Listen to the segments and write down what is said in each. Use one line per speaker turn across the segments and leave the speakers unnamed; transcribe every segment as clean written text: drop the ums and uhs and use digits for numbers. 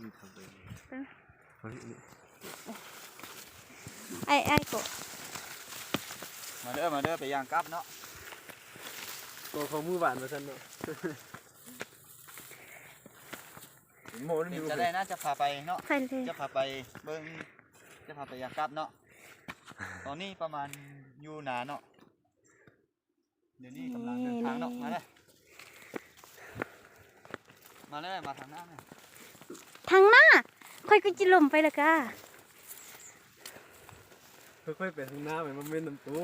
ไอ้กบ
มาเด้อไปย่างกับเนาะ
ตัวเขามือหวานมาสั่นเนาะโมนี่
จะได้นะจะพาไปเนาะจะพาไปเบิ้งจะพาไปย่างกับเนาะตอนนี้ประมาณอยู่หนาเนาะเดี๋ยวนี้กำลังเดินทางเนาะมาเลยมาทางหน้าเนี่ย
ทางหน้าค่อยก็จิลมไปละกะ
ค่อยๆไปทางหน้าไปมันเม่นน้ำตู้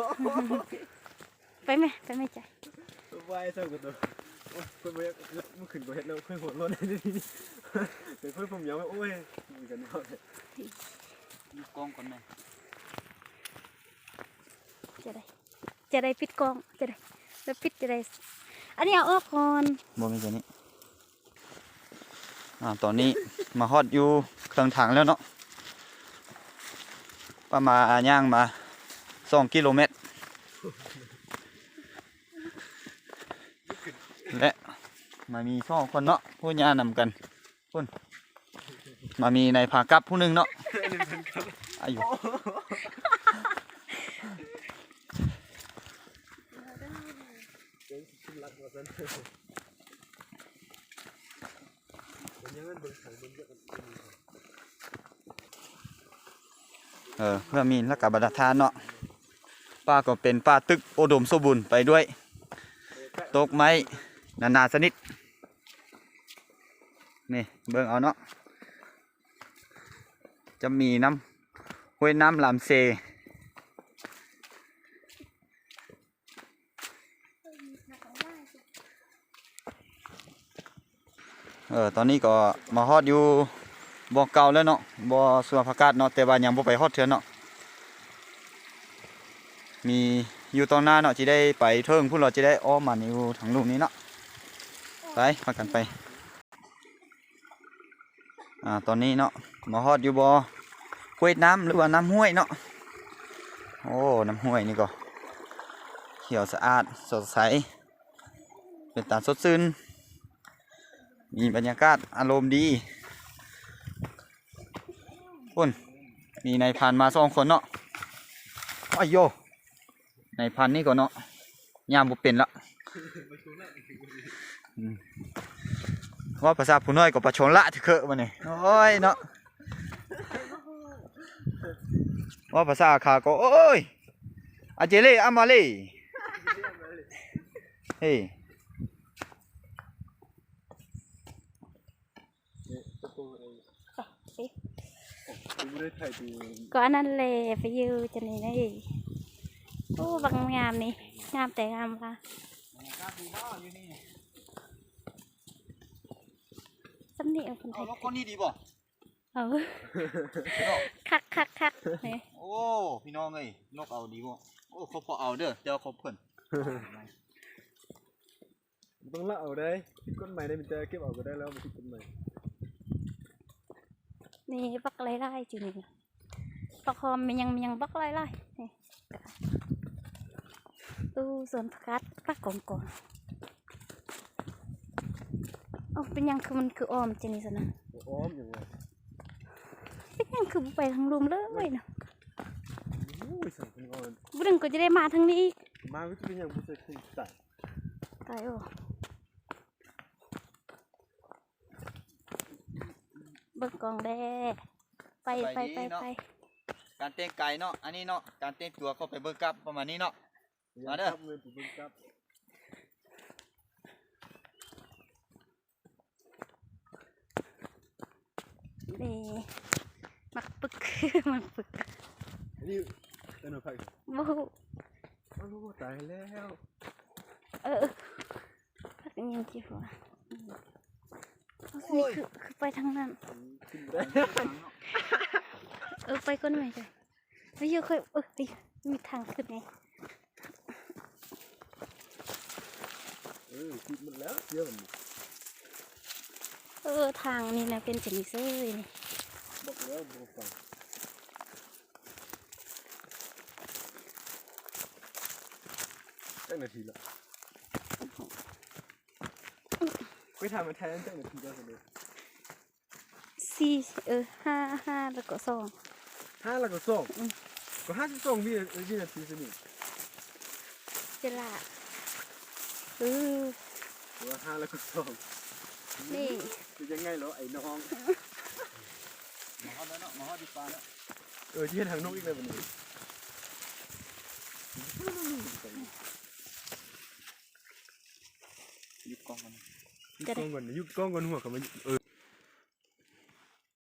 ไปไหมใจ
ไหวเจ้ากับตัวค่อยไปมันขึ้นกว่าเห็ดแล้วค่อยหัวร้อนได้ดีแต่ค่อยผมยาวโอ้ยมีกันเนาะ
ดูกล้องก่อนไหม
จะได้ปิดกล้องจะได้แล้วปิดจะได้อันนี้เอาออกก่อน
บ่มีตัวนี้ตอนนี้มาฮอดอยู่เครื่องถังแล้วเนาะประมาณย่างมา2 กิโลเมตรและมามี2 คนเนาะผู้ย่านำกันพุ่นมามีในพากับผู้หนึ่งเนาะอายุเพื่อมีและกับบรรทานเนาะป้าก็เป็นป้าตึกโอดมสมบูรณ์ไปด้วยตกไม้นาสนิทนี่เบิ่งเอาเนาะจะมีน้ำห้วยน้ำลำเซตอนนี้ก็มาฮอดอยู่บ่อเก่าแล้วเนาะบ่อสวนผักกาดเนาะแต่ว่ายังบ่ไปฮอดเทือนเนาะมีอยู่ตรงหน้าเนาะจะได้ไปเทิงพวกเราจะได้อ้อมมาอยู่ทางลูกนี้เนาะไปพากันไปตอนนี้เนาะมาฮอดอยู่บ่อห้วยน้ำหรือว่าน้ำห้วยเนาะโอ้น้ำห้วยนี่ก็เขียวสะอาดสดใสเป็นตาสดชื่นมีบรรยากาศอารมณ์ดีพุ่นมีนายพันมา2 คนเนาะอ้ายโยนายพันนี่ก็เนาะยามบุเป็นละว่าภาษาผู้น้อยก็ประชนละที่เคอะมาเนี่ยโอ้ยเนาะว่าภาษาขาก็โอ้ยอาเจเล่อามาเล่เฮ้
ก็อันนั้นเลยไปยืมจะนี่นี่โอ้บางงามนี่งามแต่งามค่ะสำเนียงคนไทย
คนนี้ดีบ่
คัก
โอ้พี่น้องเอ้ยนกเอาดีบ่โอ้เขาพอเอาเด้อเดี๋ยวเขาเพิ่น
ต้องละเอาได้ก้นใหม่ได้มันจะเก็บเอาก็ได้แล้วมันติดก้นใหม่
นี่บักไล่จริงๆบักคอมมันยังบักไล่นี่ตู้สวนผักกาดปักก่อนโอ้เป็นยังคือมันคือออมจริงๆสินะ
ออมอย่างไร
เป็นยังคือไปทางรุมเลยนะบุดึงก็จะได้มาทางนี้
มาวิธีเป็นอย่างบุษย์
ตายโอ้เบิ่งกองแดไป
การเต้นไก่เนาะอันนี้เนาะการเต้นตัวเข้าไปเบิ่งกับประมาณนี้เนาะมาเด้อ
นี่มักปึก
นี่เป็นอะไรบูตายแล้ว
พักยังกี่หัวนี่คือไปทางนั้นไปก้นใหม่เลยไม่เยอะค่อยมีทางขึ้นไง
คิดมันแล้วเยอะ
ทางนี่นะเป็นสิ่งเซ่ยนี่
บอกแล้วบอกฟังตั้งนาทีละไปทำมาแทนตั้งนาทีก็เสร็จ
สี่ห้าแล้วก็สอง
5แล้วก็2ก็52วินาทีสินี่
เวลา
หรือว่า5แล้วก็2
นี่
จะยังไงเหรอไอ้น้อง
มาฮอดแล้วเนาะมาฮอดดีปลาแล้ว
ที่เห็นทางนกอีกเลยวันนี้
หยิบกล้องกัน
ยุบกล้องก่อนหัวเขามา